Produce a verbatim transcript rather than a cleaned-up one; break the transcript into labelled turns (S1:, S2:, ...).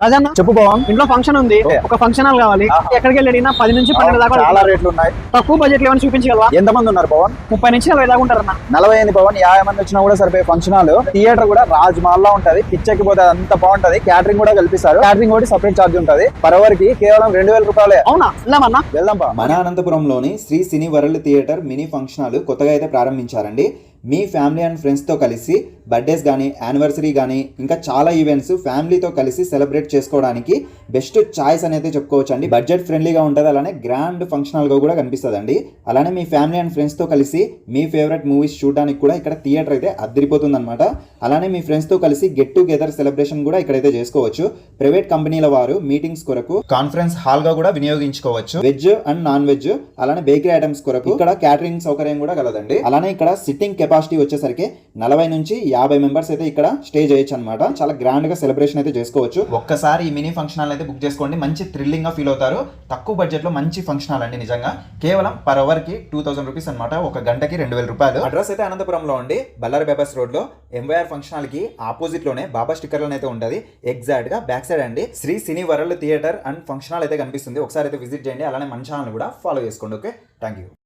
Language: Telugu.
S1: రాజన్న
S2: చెప్పు పవన్.
S1: ఇంట్లో ఫంక్షన్ ఉంది, ఒక ఫంక్షన్ హాల్ కావాలి. ఎక్కడికి వెళ్ళి అడిగినా పది నుంచి పన్నెండు దాకా
S2: చాలా రేట్లు ఉన్నాయి.
S1: తక్కువ బడ్జెట్ లో ఏమైనా చూపించగలవా?
S2: ఎంత మంది ఉన్నారు పవన్?
S1: ముప్పై నుంచి నలభై దాకా ఉంటారన్న.
S2: నలభై ఎనిమిది పవన్, యాభై మంది వచ్చినా కూడా సరిపోయే ఫంక్షన్ హాల్. థియేటర్ కూడా రాజ్ మహల్ లా ఉంటది, పిచ్చెక్కిపోతే అంత బాగుంటది. క్యాటరింగ్ కూడా కల్పిస్తారు. క్యాటరింగ్ కూడా సపరేట్ ఛార్జ్ ఉంటది. పర్ అవర్ కి కేవలం రెండు వేల రూపాయలే.
S1: అవునా? వెళ్దామన్నా.
S2: వెళ్దాం పా.
S3: మన అనంతపురంలోని Shri cine world theatre mini function hall కొత్తగా అయితే ప్రారంభించారండి. మీ ఫ్యామిలీ అండ్ ఫ్రెండ్స్తో కలిసి బర్త్డేస్ కానీ యానివర్సరీ కానీ ఇంకా చాలా ఈవెంట్స్ ఫ్యామిలీతో కలిసి సెలబ్రేట్ చేసుకోవడానికి బెస్ట్ చాయిస్ అనేది చెప్పుకోవచ్చు అండి. బడ్జెట్ ఫ్రెండ్లీగా ఉంటుంది, అలానే గ్రాండ్ ఫంక్షన్ హాల్గా కూడా కనిపిస్తుంది అండి. అలానే మీ ఫ్యామిలీ అండ్ ఫ్రెండ్స్తో కలిసి మీ ఫేవరెట్ మూవీస్ చూడడానికి కూడా ఇక్కడ థియేటర్ అయితే అద్దరిపోతుంది అనమాట. అలానే మీ ఫ్రెండ్స్తో కలిసి గెట్ టుగెదర్ సెలబ్రేషన్ కూడా ఇక్కడైతే చేసుకోవచ్చు. ప్రైవేట్ కంపెనీల వారు మీటింగ్స్ కొరకు కాన్ఫరెన్స్ హాల్గా కూడా వినియోగించుకోవచ్చు. వెజ్ అండ్ నాన్ వెజ్ అలానే బేకరీ ఐటమ్స్ కొరకు ఇక్కడ క్యాటరింగ్ సౌకర్యం కూడా కలదండి. అలానే ఇక్కడ సిట్టింగ్ కెపాసిటీ వచ్చేసరికి నలభై నుంచి యాభై మెంబర్స్ అయితే ఇక్కడ స్టే చేయొచ్చు అనమాట. చాలా గ్రాండ్ గా సెలబ్రేషన్ అయితే చేసుకోవచ్చు. ఒక్కసారి ఈ మినీ ఫంక్షన్ హాల్ అయితే బుక్ చేసుకోండి, మంచి థ్రిల్లింగ్ గా ఫీల్ అవుతారు. తక్కువ బడ్జెట్ లో మంచి ఫంక్షన్ హాల్ అండి. నిజంగా కేవలం పర్ అవర్ కి టూ థౌసండ్ రూపీస్ అనమాట. ఒక గంటకి రెండు వేల రూపాయలు. అడ్రస్ అయితే అనంతపురంలో ఉండి బల్లారి బైపాస్ రోడ్ లో ఎంవైఆర్ ఫంక్షన్ హాల్ కి ఆపోజిట్ లోనే బాబా స్టిక్కర్ అయితే ఉంటది. ఎగ్జాక్ట్ గా బ్యాక్ సైడ్ అండి Shri cine world theatre and function hall అయితే కనిపిస్తుంది. ఒకసారి అయితే విజిట్ చేయండి. అలానే మన ఛానల్ కూడా ఫాలో చేసుకోండి. Okay, thank you.